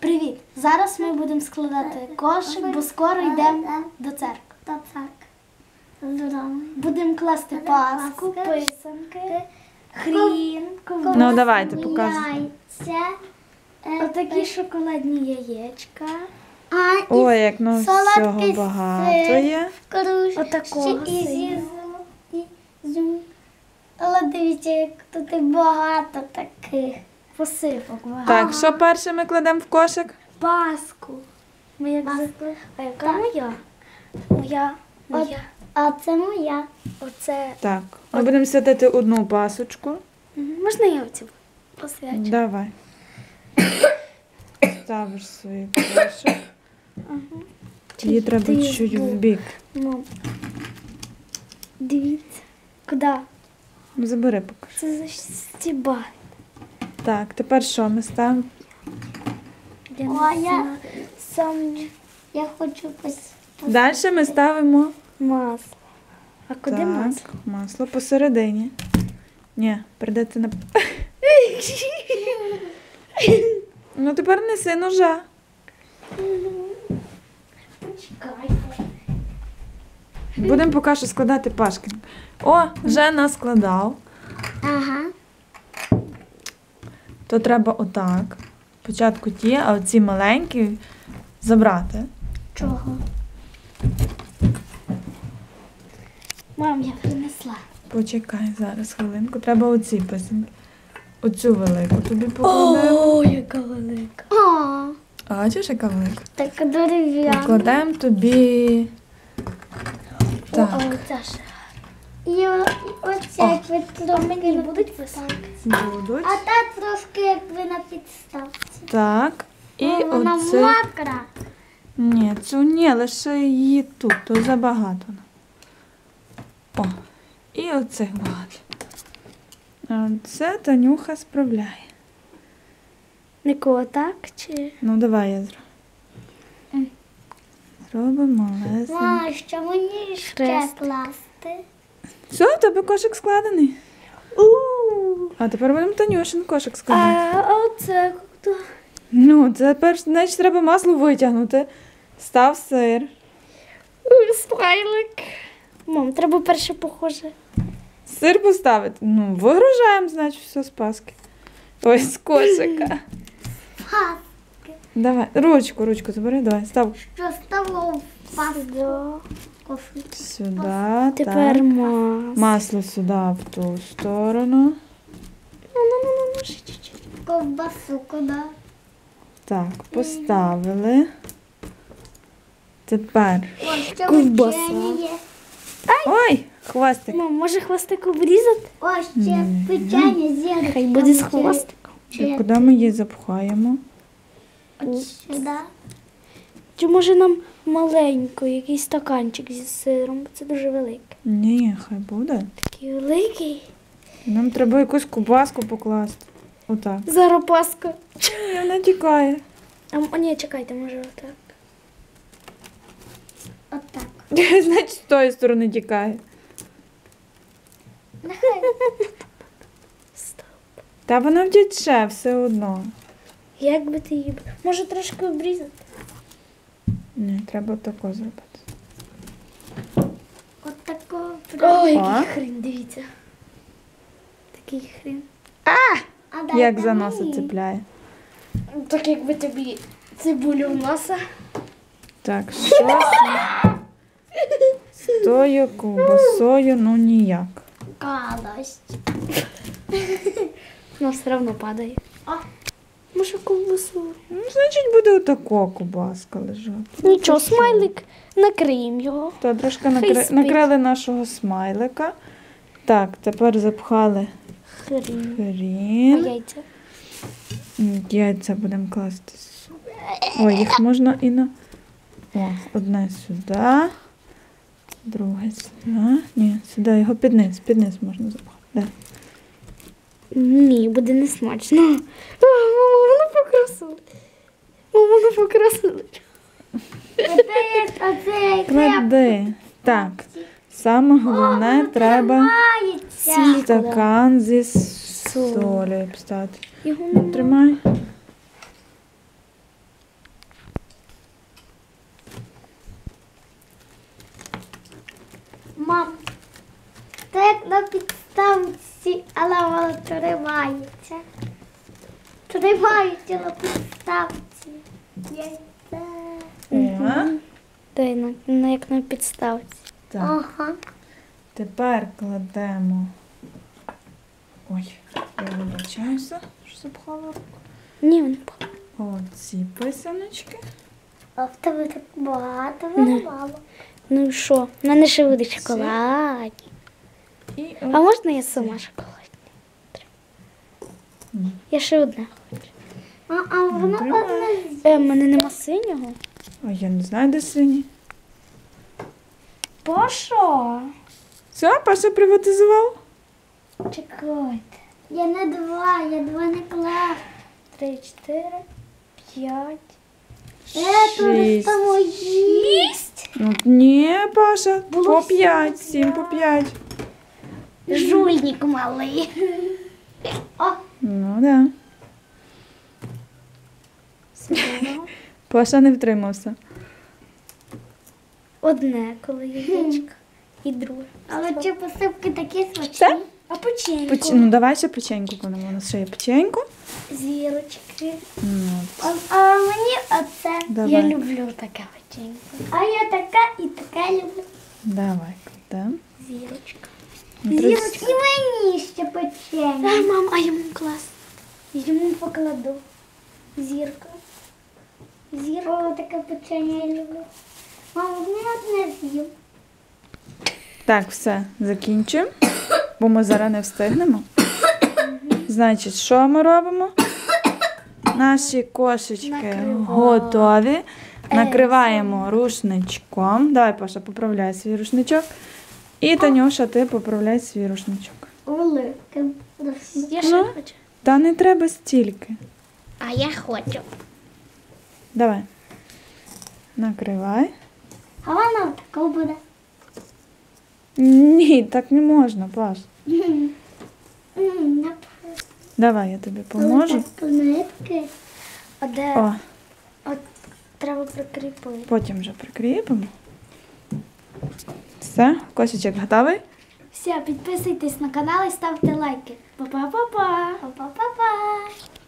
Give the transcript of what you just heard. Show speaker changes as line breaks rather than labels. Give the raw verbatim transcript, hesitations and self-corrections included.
Привіт! Зараз ми будемо складати кошик, бо скоро йдемо до церкви.
До церкви.
Будемо класти паску, писанки, хрін, ковбасу.
Ну, давайте, показуй.
Яйця. е,
Отакі шоколадні яєчка.
А, і
Ой, як ну
солодкий
всього багато
сир.
є.
кружці,
Отакого
і
сиру.
зі- і зю. Але дивіться, як тут і багато таких.
Посипок багато.
Так, що перше ми кладемо в кошик?
Паску. Ми як за...
Паску.
А яка моя? Моя. Моя.
А це моя.
Оце.
Так, ми будемо святити одну пасочку.
Мгм. Можна я оцю посвячу?
Давай. Ставиш свій кошик. Її треба
ти
чуть
збув?
в бік.
Мам. Дивіться. Куди?
Ну, забери поки.
Це за стіба.
Так, тепер що ми ставимо?
Я
О,
не
я-
знаю. Сам
Я хочу пос...
Далі ми ставимо
масло. А куди
так,
масло?
масло посередині. Ні, прийдеться на. Ну тепер неси ножа.
Почекайте.
Будемо поки що складати пашкін. О, вже наскладав.
Ага.
То треба отак. Спочатку ті, а оці маленькі забрати.
Чого? Мам, я принесла.
Почекай зараз хвилинку. Треба оці писанки. Оцю велику тобі покладемо.
О, яка велика.
О,
А бачиш, яка велика?
така дерев'яна.
Покладемо тобі.
О,
Так,
а оця ще.
І о- і оця як ви
А мені
трошки
будуть писанки?
будуть.
А та трошки як ви на підставці.
Так. І
О, вона
оце.
мокра.
Ні, цю ні, лише її тут, то забагато. О, і оцих багато. А це Танюха справляє.
Никого так чи?
Ну, давай я зроблю.
М.
Зробимо малесенько.
Ма, що мені ще
Хрест.
класти?
Все, в тебе кошик складений.
У.
А тепер будемо Танюшин кошик складати.
А оце хто?
Ну, це перш, значить, треба масло витягнути. Став сир.
Смайлик. Мам, треба перше похоже.
Сир поставити. Ну, вигружаємо, значить, все з паски. Ой, з кошика.
Ха,
Давай, ручку, ручку забери, давай, став
що стало в пасту.
сюди.
Тепер
так.
масло.
Масло сюди, в ту сторону.
Ну, ну, ну, ну, ще чуть-чуть.
Ковбасу куди?
Так, поставили. Тепер.
О, ще
Ковбаса.
печення є.
Ой, хвостик.
Мам, може хвостик обрізати?
О, ще печення зірочка.
Хай буде з хвостиком.
І куди ми її запхаємо?
От сюди.
Чи може нам маленько, якийсь стаканчик зі сиром, бо це дуже великий.
Ні, хай буде.
Такий великий.
Нам треба якусь кубаску покласти. Отак.
Зараз паска.
І вона тікає.
А, м- ні, чекайте, може отак.
Отак.
Значить, з тої сторони тікає.
Нехай.
Стоп.
Та вона втіче все одно.
Як би ти її... б- Може трошки обрізати?
Ні, треба тако зробити.
От такого.
О, який
О.
хрін, дивіться. Такий хрін.
А дайте
Як за носа
мені.
цепляє.
Так якби тобі цибулю в носа.
Так, що з тою ковбасою, ну ніяк.
Гадость.
Вона все одно падає.
А.
Може ковбасу?
Ну, значить, буде отако ковбаска лежати.
Нічого, смайлик, накриємо його.
То трошки
Хай
накри...
спить.
накрили нашого смайлика. Так, тепер запхали
Хрін. А
хрін.
яйця?
М, Яйця будемо класти. сю- Ой, їх можна і на. О, одне сюди, друге сюди. Ні, сюди його під низ, під низ можна запхати. Да.
Ні, буде не смачно. А, мама, воно покрасили. Мама, воно покрасили.
Оце як, оце як
Клади. Так, саме головне треба
мається.
стакан зі солею встати.
Його не
Тримай.
Мам, то як на підставці, але воно тримається. Тримається на підставці. Яйце.
О,
Дай на, на як на підставці.
так.
Ага.
Тепер кладемо. Ой, я вибачаюся, що запхала руку.
Ні, він по-
Оці писаночки.
А в тебе так багато,
Не.
воно мало.
Ну і що? У мене ще буде шоколад.
І
А
от-
можна я сама шоколадні?
М.
Я ще одне хочу.
А, а воно
Тримай.
одне
Е, в мене нема синього.
Ой, я не знаю, де синій.
Паша?
Все, Паша приватизував?
Чекайте.
Я не два, я два не клав.
Три, чотири, п'ять.
Е, тут
Шість.
там мої.
Ну, ні, Паша,
Було
по
всі
п'ять,
по
сім по п'ять.
Жульник малий. О,
Ну, да.
Сюди.
Паша не втримався.
Одне, коли яєчко. І друге.
але чи посипки такі смачні?
Все?
А печеньку?
Поч... Ну, давай ще печеньку кладемо. У нас ще є печеньку.
Зірочки.
Ну,
А, а мені оце.
давай.
Я люблю таке печеньку.
А я така і така люблю.
Давай, кладемо.
Зірочка.
Ну, треба-
Зірочки. І мені ще печення.
А, мам, а йому клас. Йому покладу. Зірка.
Зірка, о, таке печення я люблю. Мама, мені одне з'їв.
Так, все, закінчуємо, бо ми зараз не встигнемо. Значить, що ми робимо? Наші кошечки
Накриваємо.
готові. Накриваємо рушничком. Давай, Паша, поправляй свій рушничок. І, Танюша, ти поправляй свій рушничок.
Великим.
Я ще
Ну.
хочу.
Та не треба стільки.
А я хочу.
Давай. Накривай.
А вона така буде.
Ні, так не можна, Паш.
М, напевно.
Давай, я тобі поможу.
Так, нитки.
А де?
О,
От треба прикріпити.
потім вже прикріпимо. Все, кошечок готовий?
Все, підписуйтесь на канал і ставте лайки. Па-па-па-па.
Па-па-па-па.